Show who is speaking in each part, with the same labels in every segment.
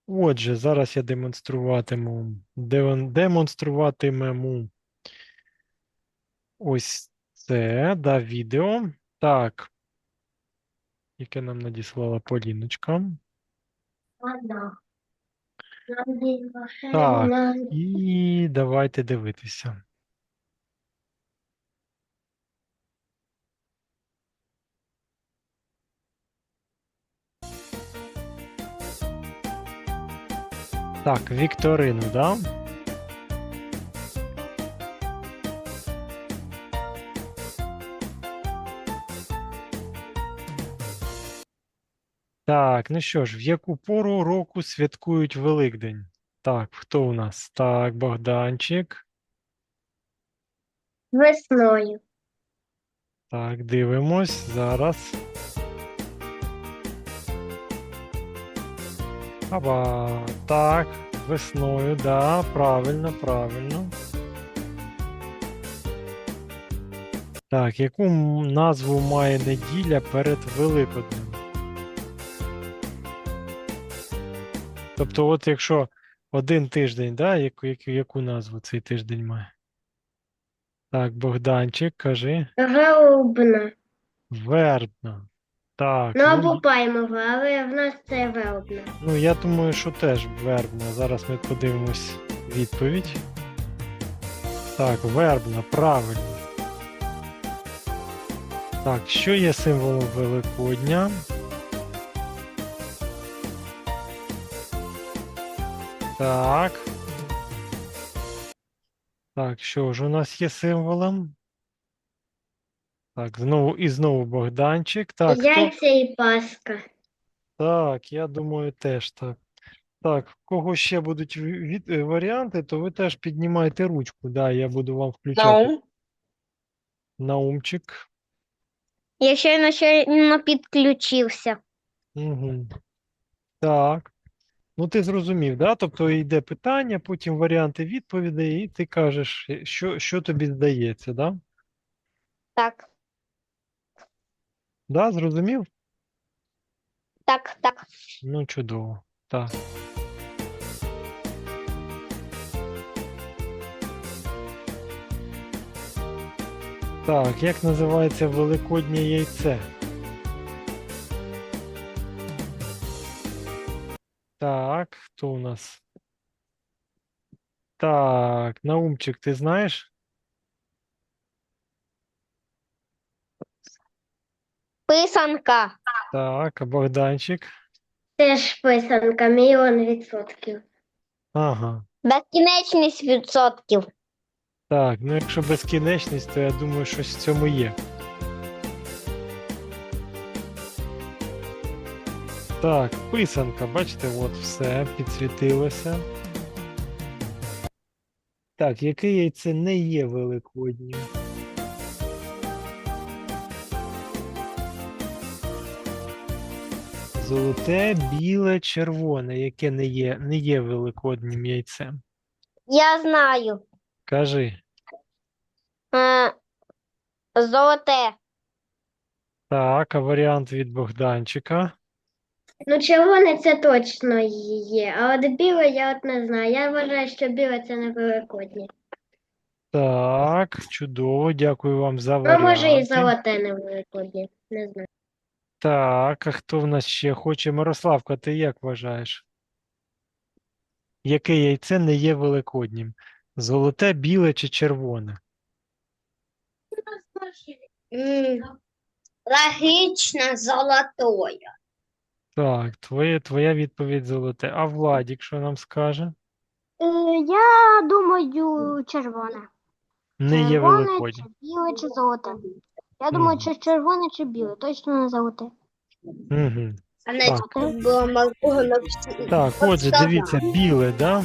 Speaker 1: Отже, зараз я демонструватимемо ось це, да, відео. Так, яке нам надіслала Поліночка. Так, і давайте дивитися. Так, вікторину, да? Так, ну що ж, в яку пору року святкують Великдень? Так, хто у нас? Так, Богданчик.
Speaker 2: Весною.
Speaker 1: Так, дивимось зараз. Аба, так, весною, да, правильно, правильно. Так, яку назву має неділя перед Великоднем? Тобто, от якщо один тиждень, да, яку назву цей тиждень має? Так, Богданчик, кажи.
Speaker 2: Велубна.
Speaker 1: Вербна. Так,
Speaker 2: Ну або паймова, але в нас це велубна.
Speaker 1: ну я думаю, що теж вербна. Зараз ми подивимось відповідь. Так, вербна, правильно. Так, що є символом Великодня? Так. Так, що ж у нас є символом? Так, знову Богданчик. Так, хто?
Speaker 2: Яйця і паска.
Speaker 1: Так, я думаю, теж так. Так, в кого ще будуть варіанти, то ви теж піднімайте ручку. Да, я буду вам включати
Speaker 2: Наум.
Speaker 1: наумчик.
Speaker 2: Я щойно підключився.
Speaker 1: Угу. Так. Ну, ти зрозумів, да? Тобто йде питання, потім варіанти відповідей, і ти кажеш, що тобі здається, да?
Speaker 2: Так,
Speaker 1: Да, зрозумів?
Speaker 2: так.
Speaker 1: Ну, чудово. Так. Так, як називається великоднє яйце? Так, хто у нас? Так, Наумчик, ти знаєш?
Speaker 2: Писанка.
Speaker 1: Так, а Богданчик?
Speaker 2: Теж писанка, 1,000,000%.
Speaker 1: Ага.
Speaker 2: Безкінечність відсотків.
Speaker 1: Так, ну якщо безкінечність, то я думаю, щось в цьому є. Так, писанка, бачите, от все, підсвітилося. Так, яке яйце не є великоднім? Золоте, біле, червоне, яке не є великоднім яйцем.
Speaker 2: Я знаю.
Speaker 1: Кажи.
Speaker 2: Е, Золоте.
Speaker 1: Так, а варіант від Богданчика?
Speaker 2: Ну, червоне це точно є, а от біле я от не знаю. Я вважаю, що біле це не великоднє.
Speaker 1: Так, чудово, дякую вам за
Speaker 2: Ну, може і
Speaker 1: варіанти.
Speaker 2: золоте не великоднє, не знаю.
Speaker 1: Так, а хто в нас ще хоче? Мирославка, ти як вважаєш? Яке яйце не є великоднім? Золоте, біле чи червоне?
Speaker 2: Логічно золотое.
Speaker 1: Так, твоя відповідь золоте. А Владік, що нам скаже?
Speaker 2: Я думаю, червоне.
Speaker 1: Не є
Speaker 2: Червоне, чи
Speaker 1: великоднім.
Speaker 2: біле, чи золоте. Я думаю,
Speaker 1: Мгм.
Speaker 2: чи червоне, чи біле, точно не золоте.
Speaker 1: Мгм.
Speaker 2: А не
Speaker 1: Так.
Speaker 2: було малого на всі.
Speaker 1: Так, отже, дивіться, біле, да?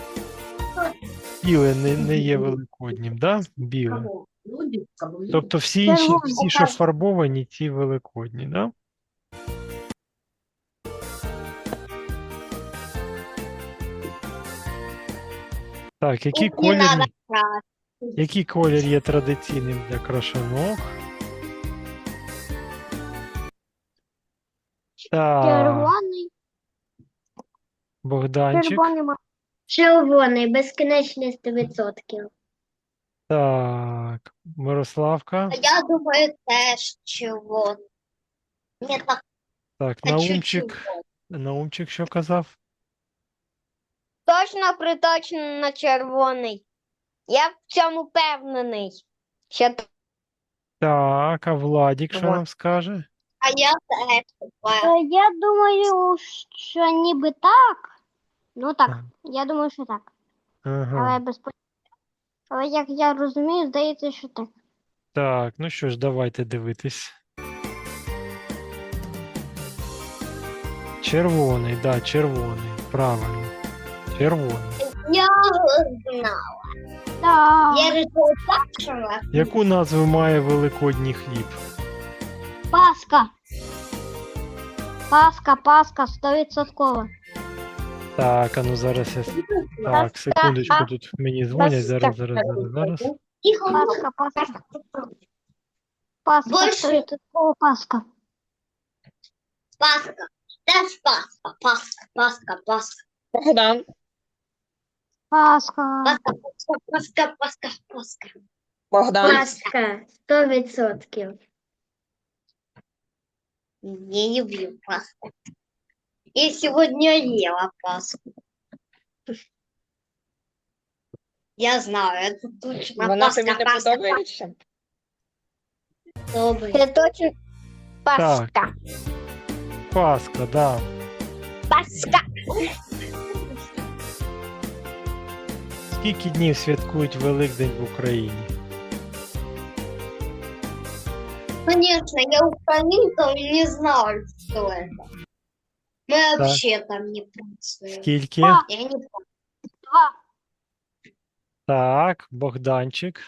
Speaker 1: Біле не є великоднім, да? Біле. Тобто всі інші,
Speaker 2: Червоне.
Speaker 1: всі, що фарбовані, ті великодні, да? Так, який колір є традиційним для крашанок? Так,
Speaker 2: Червоний.
Speaker 1: Богданчик.
Speaker 3: Червоний
Speaker 2: Червоний, безкінечний 100%.
Speaker 1: Так, Мирославка.
Speaker 3: Я думаю, теж червоний. Ні, так,
Speaker 1: Так, Наумчик що казав?
Speaker 3: точно приточно на червоний. Я в цьому впевнений. Що...
Speaker 1: Так, а Владік що
Speaker 3: Вот.
Speaker 1: нам скаже?
Speaker 3: А я теж.
Speaker 2: Я думаю, що ніби так. Ну так,
Speaker 1: Ага.
Speaker 2: я думаю, що так.
Speaker 1: Ага.
Speaker 2: Але як я розумію, здається, що так.
Speaker 1: Так, ну що ж, давайте дивитись. Червоний, да, червоний. Правильно. Червоний.
Speaker 3: Я знала.
Speaker 2: Так.
Speaker 3: Я решила так, що
Speaker 1: Яку назву має Великодній хліб?
Speaker 2: Паска. Паска, 100%.
Speaker 1: Так, а ну зараз я. Так, секундочку, тут мені дзвонять. Зараз.
Speaker 3: Тихо.
Speaker 2: Паска. Паска,
Speaker 3: Больше.
Speaker 2: 100% Паска.
Speaker 3: Паска. Теж Паска.
Speaker 4: Богдан,
Speaker 2: Паска.
Speaker 3: Паска.
Speaker 4: Богдан,
Speaker 2: Паска, 100%.
Speaker 3: Не люблю паску. Я сегодня ела паску. Я знаю, это точно
Speaker 4: вона
Speaker 3: паска,
Speaker 4: тобі не
Speaker 3: паска,
Speaker 4: подобається?
Speaker 3: Добрый. Это точно
Speaker 1: паска. Пасха, да.
Speaker 3: Паска.
Speaker 1: Скільки днів святкують Великдень в Україні?
Speaker 3: Конечно, я украинка и не знаю, что это. Мы вообще там не празднуем.
Speaker 1: Скільки?
Speaker 2: А.
Speaker 3: Я не помню.
Speaker 2: 2.
Speaker 1: Так, Богданчик.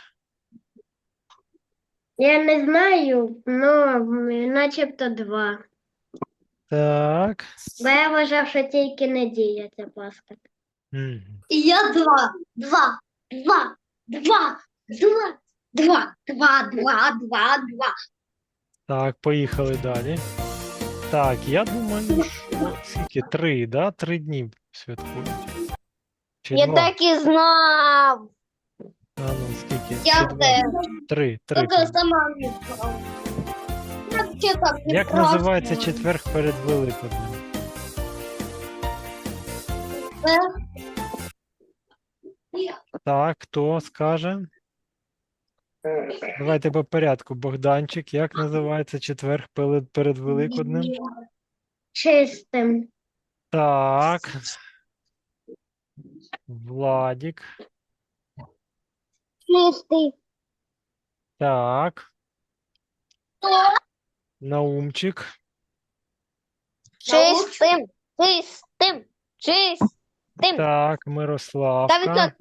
Speaker 2: Я не знаю, но начебто 2.
Speaker 1: Так.
Speaker 2: Бо я вважав, що тільки неділя ця Пасха.
Speaker 1: Мгм.
Speaker 3: И я два.
Speaker 1: Так, поїхали далі. Так, я думаю, що скільки? 3, да? 3 дні святкують. Чи
Speaker 3: Я
Speaker 1: 2?
Speaker 3: так и знал.
Speaker 1: А ну, скільки?
Speaker 3: Я
Speaker 1: Чи 2?
Speaker 3: теж.
Speaker 1: 3.
Speaker 3: Только сама не знала. Я вообще там не
Speaker 1: Як називається
Speaker 3: праздную.
Speaker 1: четверг перед Великоднем? Так, хто скаже? Давайте по порядку. Богданчик, як називається четверг перед Великоднем?
Speaker 2: Чистим.
Speaker 1: Так. Владік.
Speaker 2: Чистий.
Speaker 1: Так. Наумчик.
Speaker 3: Чистым.
Speaker 1: Так, Мирославка.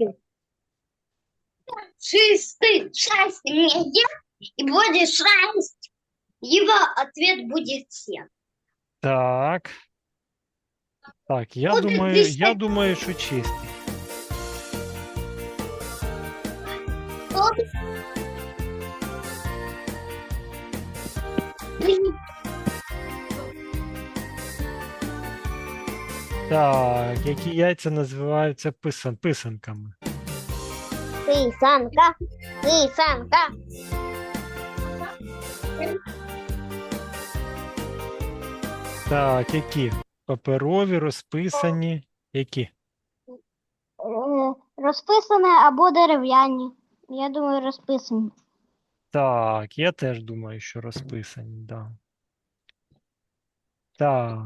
Speaker 3: Чистый. 6 мне и будет 6. Его ответ будет 7.
Speaker 1: Так. Так, я
Speaker 3: От
Speaker 1: думаю,
Speaker 3: десь так.
Speaker 1: що чистий. Так, які яйця називаються писанками?
Speaker 3: Писанка.
Speaker 1: Так, які? Паперові, розписані. Які?
Speaker 2: Розписане або дерев'яні. Я думаю, розписані.
Speaker 1: Так, я теж думаю, що розписані, да. Так.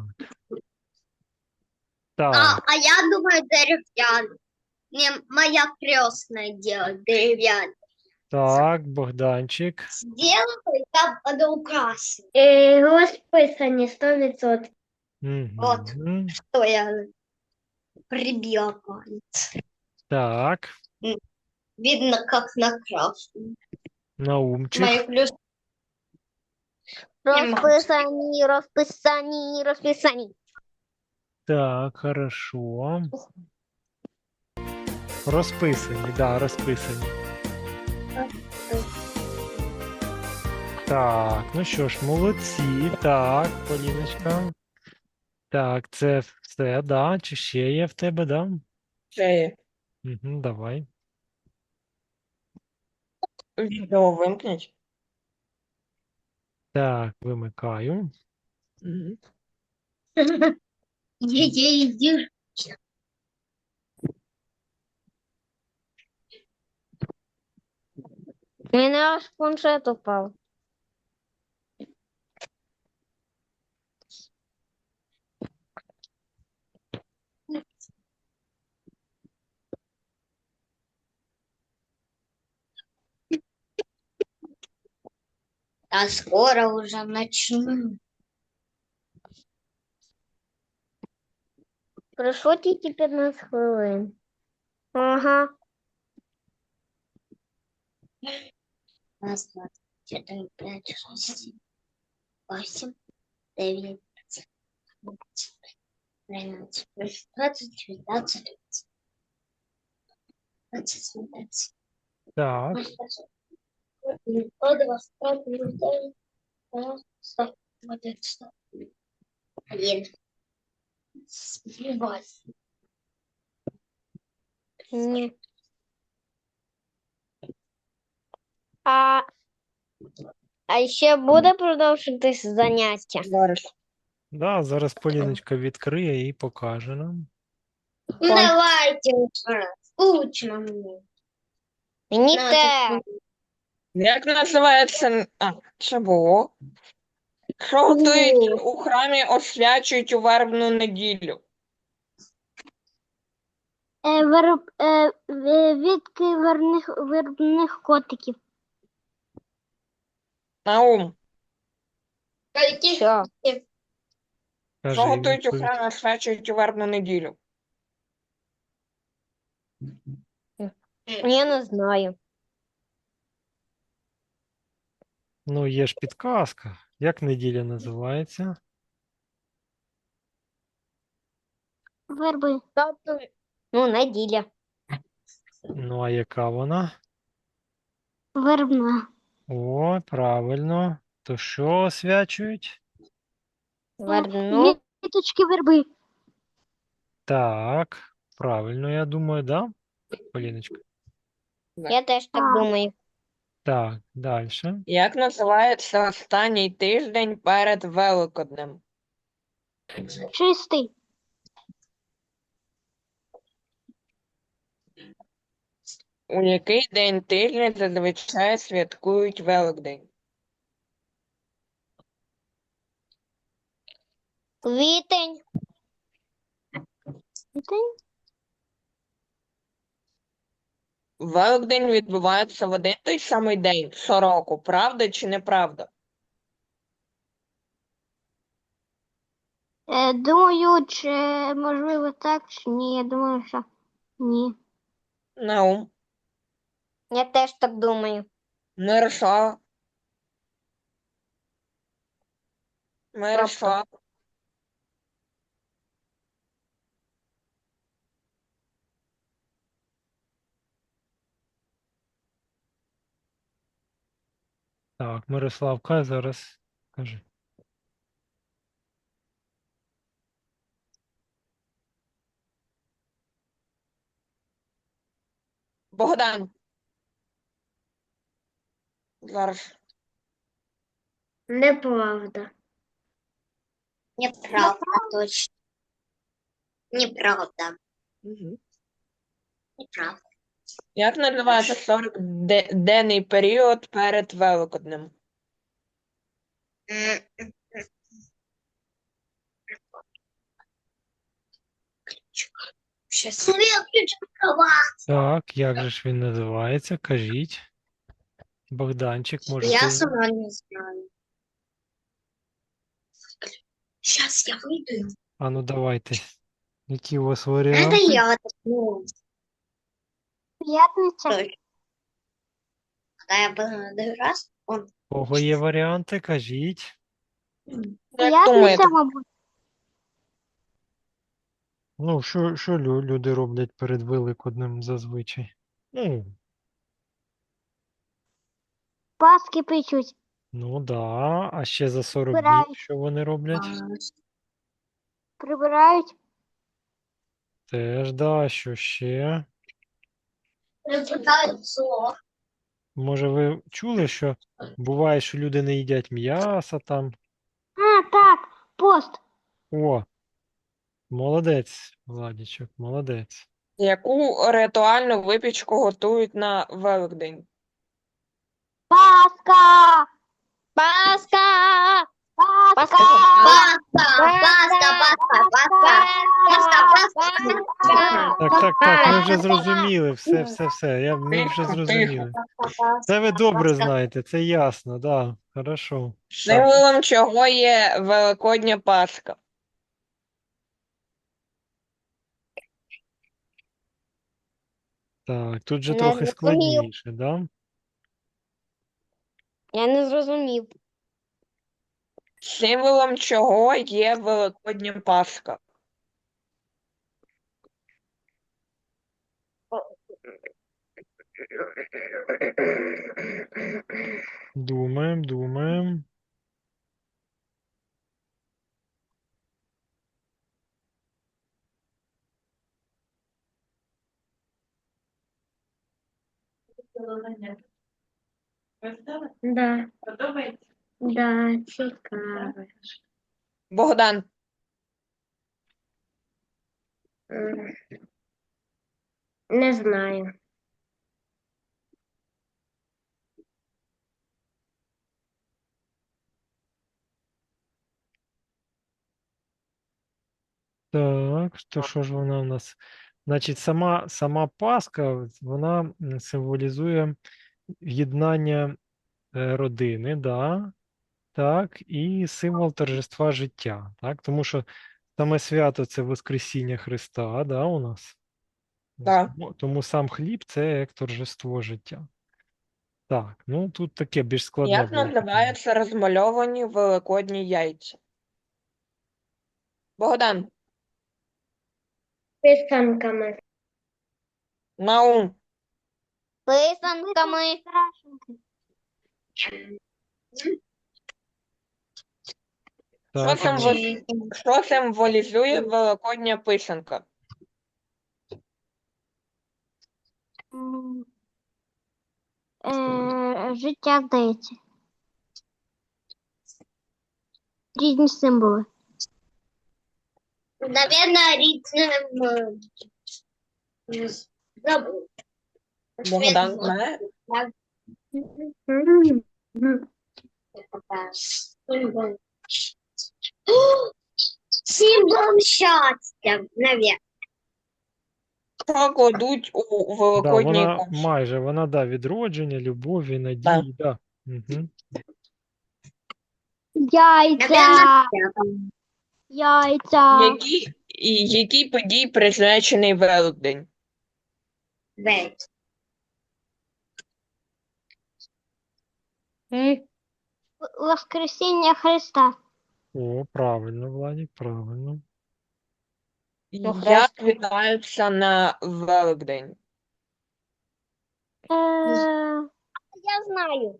Speaker 1: Так,
Speaker 3: А я думаю, деревянный. Мне моя крестная делает деревянный.
Speaker 1: так, Богданчик.
Speaker 3: Сделаю, я буду украсить.
Speaker 2: Розписані 100%.
Speaker 3: Вот.
Speaker 1: Мгм.
Speaker 3: Что я прибила палец.
Speaker 1: Так,
Speaker 3: Видно, как накрашено.
Speaker 1: Наумчик.
Speaker 3: Мои плюс. Розписані.
Speaker 1: Так, хорошо. Розписані, да, розписані. Так, ну що ж, молодці. Так, Поліночка. Так, це все, да? Чи ще є в тебе, да?
Speaker 4: Це є.
Speaker 1: Угу, давай.
Speaker 4: Відео вимкніть.
Speaker 1: Так, вимикаю.
Speaker 4: Мгм.
Speaker 3: Я иди.
Speaker 2: У мене аж планшет упав.
Speaker 3: А скоро уже начну.
Speaker 2: Пройшло тільки 15 хвилин. Ага.
Speaker 3: Раз, два, три, четыре, пять, шесть, семь, восемь, девять, 13, 20, 19, 20, 21,
Speaker 1: Так,
Speaker 3: 1. Сбивайся.
Speaker 2: Ні. А ще буде продовжитись заняття?
Speaker 4: Зараз.
Speaker 1: да, зараз Поліночка відкриє і покаже нам.
Speaker 3: Ну давайте уже. Скучно мне.
Speaker 2: Мені
Speaker 3: На,
Speaker 2: теж.
Speaker 4: Як називається? А, це було. Що готують у храмі, освячують у вербну неділю?
Speaker 2: Відки вербних котиків.
Speaker 4: Наум.
Speaker 3: Каких?
Speaker 2: Що?
Speaker 4: Що
Speaker 1: Кажи
Speaker 4: готують у
Speaker 1: відповідь.
Speaker 4: храмі, освячують у вербну неділю?
Speaker 2: Я не знаю.
Speaker 1: Ну, є ж підказка. Як неділя називається?
Speaker 2: Верби. Ну, неділя.
Speaker 1: Ну, а яка вона?
Speaker 2: Вербна.
Speaker 1: О, правильно. То що освячують?
Speaker 2: Вербну. Віточки верби.
Speaker 1: Так, правильно, я думаю, да, Поліночка?
Speaker 2: Я теж так думаю.
Speaker 1: Так, далі.
Speaker 4: Як називається останній тиждень перед Великоднем?
Speaker 2: Чистий.
Speaker 4: У який день тижня зазвичай святкують Великдень?
Speaker 2: Квітень. Квітень?
Speaker 4: Великдень відбувається в один той самий день щороку. Правда чи неправда?
Speaker 2: Думаю, чи можливо так, чи ні. Я думаю, що ні.
Speaker 4: Наум.
Speaker 2: Я теж так думаю.
Speaker 4: Мирослава. Мирослав.
Speaker 1: Так, Мирославка зараз каже.
Speaker 4: Богдан. Зараз.
Speaker 2: Неправда.
Speaker 3: Неправда, точно. Неправда.
Speaker 4: Угу.
Speaker 3: Неправда.
Speaker 4: Як називається 40-денний період перед Великоднем?
Speaker 3: Сейчас я включу кровать.
Speaker 1: Так, як же ж він називається? Кажіть. Богданчик, може
Speaker 3: Я
Speaker 1: ти...
Speaker 3: сама не знаю. Сейчас я выйду.
Speaker 1: А ну давайте. Які у вас
Speaker 3: Это
Speaker 1: варіанти?
Speaker 3: я. Ну,
Speaker 2: П'ятниця.
Speaker 3: точно. Когда я был раз, он
Speaker 1: У кого є варіанти? Кажіть.
Speaker 4: Як думаєте?
Speaker 2: мабуть.
Speaker 1: Ну, що люди роблять перед Великоднем зазвичай? Ну,
Speaker 2: Паски печуть.
Speaker 1: ну да. А ще за 40 днів
Speaker 2: Збирають.
Speaker 1: що вони роблять?
Speaker 2: Прибирають.
Speaker 1: Теж, да, що ще?
Speaker 3: Яйцо.
Speaker 1: Може, ви чули, що буває, що люди не їдять м'яса там?
Speaker 2: А, так, пост.
Speaker 1: О, молодець, Владічок, молодець.
Speaker 4: Яку ритуальну випічку готують на Великдень?
Speaker 2: Пасха!
Speaker 3: Пасха.
Speaker 2: Пасха!
Speaker 3: Пасха.
Speaker 1: Так, ми вже зрозуміли, все, ми вже
Speaker 4: Тихо,
Speaker 1: зрозуміли. Це ви добре знаєте, це ясно, да, хорошо. Так,
Speaker 4: Символом чого є Великодня Пасха?
Speaker 1: так, тут же
Speaker 3: Не
Speaker 1: трохи
Speaker 3: зрозумів.
Speaker 1: складніше, да?
Speaker 3: Я не зрозумів.
Speaker 4: Символом чого є Великодня Пасха?
Speaker 1: Думаємо.
Speaker 2: Да. Да, цікаво.
Speaker 4: Богдан,
Speaker 2: М, Не знаю.
Speaker 1: Так, то що ж вона у нас? Значить, сама Пасха, вона символізує єднання родини, да, так, і символ торжества життя, так, тому що саме свято це Воскресіння Христа, да, у нас.
Speaker 4: так.
Speaker 1: Тому сам хліб це як торжество життя. Так, ну тут таке більш складне
Speaker 4: Як
Speaker 1: було питання.
Speaker 4: називаються розмальовані великодні яйця? Богдан,
Speaker 2: Писанками.
Speaker 4: Наум,
Speaker 3: Писанками.
Speaker 1: Так,
Speaker 4: що символізує Великодня писанка?
Speaker 2: Життя, здається. Різні символи.
Speaker 3: Наверное, ритм. Забыл.
Speaker 4: Богдан знає?
Speaker 3: Символ счастья, наверное.
Speaker 4: Що кладуть у
Speaker 1: да,
Speaker 4: Великодній
Speaker 1: вона
Speaker 4: кошик?
Speaker 1: майже, вона, да, відродження, любові, надії, да. Угу.
Speaker 2: Яйця. Яйця.
Speaker 4: Якій події присвячений Великдень?
Speaker 2: Воскресіння Христа.
Speaker 1: О, правильно, Владик, правильно.
Speaker 4: Як вітаються на Великдень?
Speaker 3: Я знаю.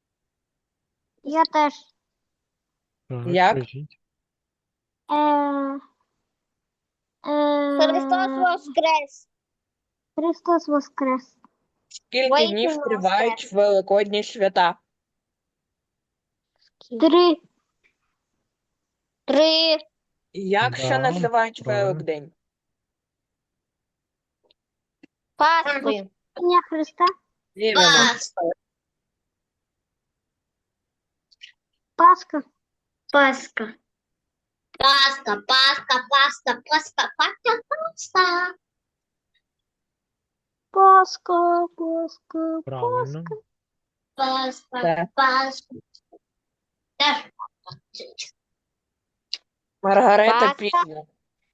Speaker 2: Я теж.
Speaker 1: Так,
Speaker 4: Як?
Speaker 1: кажіть.
Speaker 3: Христос воскрес.
Speaker 2: Христос воскрес.
Speaker 4: Скільки
Speaker 3: Воістину
Speaker 4: днів тривають Великодні свята?
Speaker 2: 3.
Speaker 3: 3.
Speaker 4: Як ще
Speaker 1: Да,
Speaker 4: називають
Speaker 1: правильно.
Speaker 4: Великдень?
Speaker 3: Пасхи.
Speaker 2: Дня Христа.
Speaker 4: Вірно.
Speaker 2: Пасха.
Speaker 3: Пасха. Пасха, Пасха, Пасха, Пасха, Пасха, Пасха.
Speaker 2: Пасха. Пасха.
Speaker 1: Правильно.
Speaker 3: Пасха,
Speaker 4: Так.
Speaker 3: Пасха. Теж
Speaker 4: Маргарита
Speaker 3: Пасха.
Speaker 4: Пізня.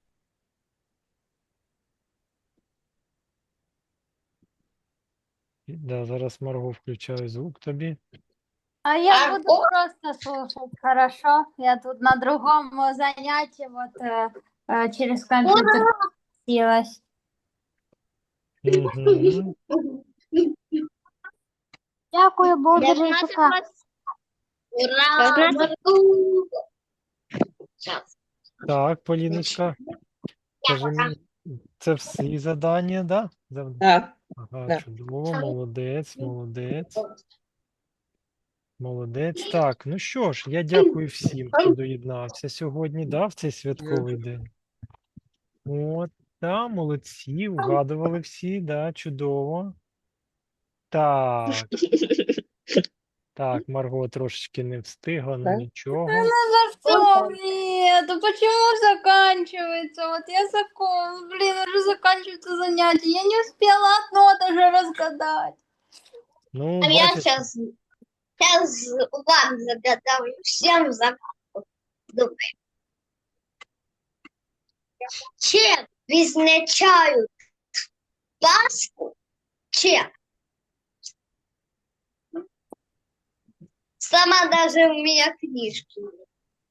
Speaker 1: Да, зараз Марго включаю звук тобі.
Speaker 5: А я
Speaker 3: А,
Speaker 5: буду
Speaker 3: о!
Speaker 5: просто слушать, хорошо? Я тут на другом занятии, через компьютер силась.
Speaker 1: Угу.
Speaker 2: Дякую, буду
Speaker 3: Для
Speaker 2: жити.
Speaker 3: Ура! Сейчас.
Speaker 1: Так, Поліночка, скажи мені, це всі завдання, да?
Speaker 4: Так.
Speaker 1: Ага,
Speaker 4: Да.
Speaker 1: чудово, молодець, молодець. Молодець. Так, ну що ж, я дякую всім, хто доєднався сьогодні, да, в цей святковий день. От, да, молодці, вгадували всі, да, чудово. Так, так, Марго трошечки не встигла, ну
Speaker 4: Так.
Speaker 1: нічого.
Speaker 5: За что? Нет, а почему заканчивается? Вот я блин, уже заканчивается занятие. Я не успела одно даже разгадать.
Speaker 1: Ну,
Speaker 3: А я
Speaker 1: бачиш,
Speaker 3: сейчас вам загадаю, всем загадку. Думаю. Чем відзначають Пасху? Чем? Сама даже у меня книжки нет.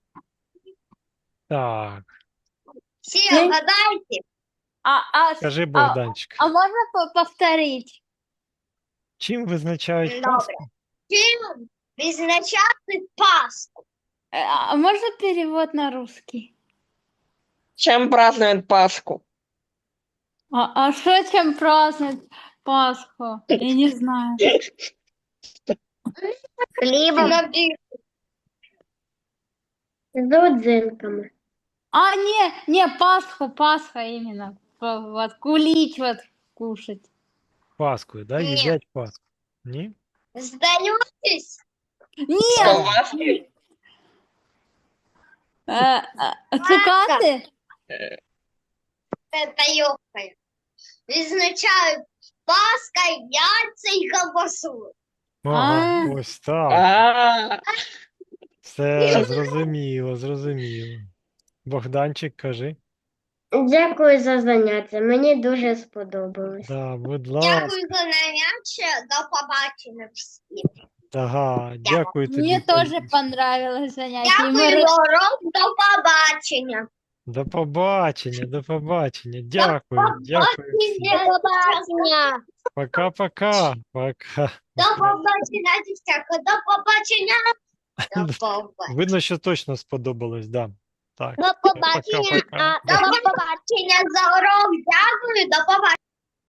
Speaker 1: так,
Speaker 3: Все
Speaker 5: Ну,
Speaker 3: угадайте.
Speaker 1: кажи, Богданчик,
Speaker 5: А можно повторить?
Speaker 1: чим визначають
Speaker 3: Добре.
Speaker 1: Пасху?
Speaker 3: Чим відзначати Пасху?
Speaker 5: А можно перевод на русский?
Speaker 4: Чем празднуют Пасху?
Speaker 5: А что чем праздновать Пасху? Я не знаю.
Speaker 2: Хлібом
Speaker 3: Напиши.
Speaker 2: з родзинками.
Speaker 5: А, не, Пасха именно. Вот кулич вот кушать.
Speaker 1: Пасхою, да?
Speaker 3: Ні.
Speaker 1: Їдять Пасху. Ні?
Speaker 3: Здаєтесь?
Speaker 4: С колбаской?
Speaker 5: Цукаты?
Speaker 3: Це йохає. Відзначають Пасха, яйця і ковбасу.
Speaker 1: Ага,
Speaker 5: А.
Speaker 1: ось так.
Speaker 4: А,
Speaker 1: Все, зрозуміло, зрозуміло. Богданчик, кажи.
Speaker 2: Дякую за заняття. Мені дуже сподобалось.
Speaker 1: Да, будь ласка.
Speaker 3: Дякую за заняття. До побачення всім.
Speaker 1: Ага, дякую тобі.
Speaker 5: Мне тоже
Speaker 1: Поліночка.
Speaker 5: понравилось занятие. И мы
Speaker 3: Дякую за урок. До побачення.
Speaker 1: До побачення, до побачення. Дякую, дякую всім.
Speaker 3: До побачення.
Speaker 1: Пока-пока. Пока.
Speaker 3: До побачення, дівчатка. До побачення. До побачення.
Speaker 1: Видно, що точно сподобалось, да. Так.
Speaker 3: До побачення.
Speaker 1: Пока-пока.
Speaker 3: До побачення за урок. Дякую. До побачення.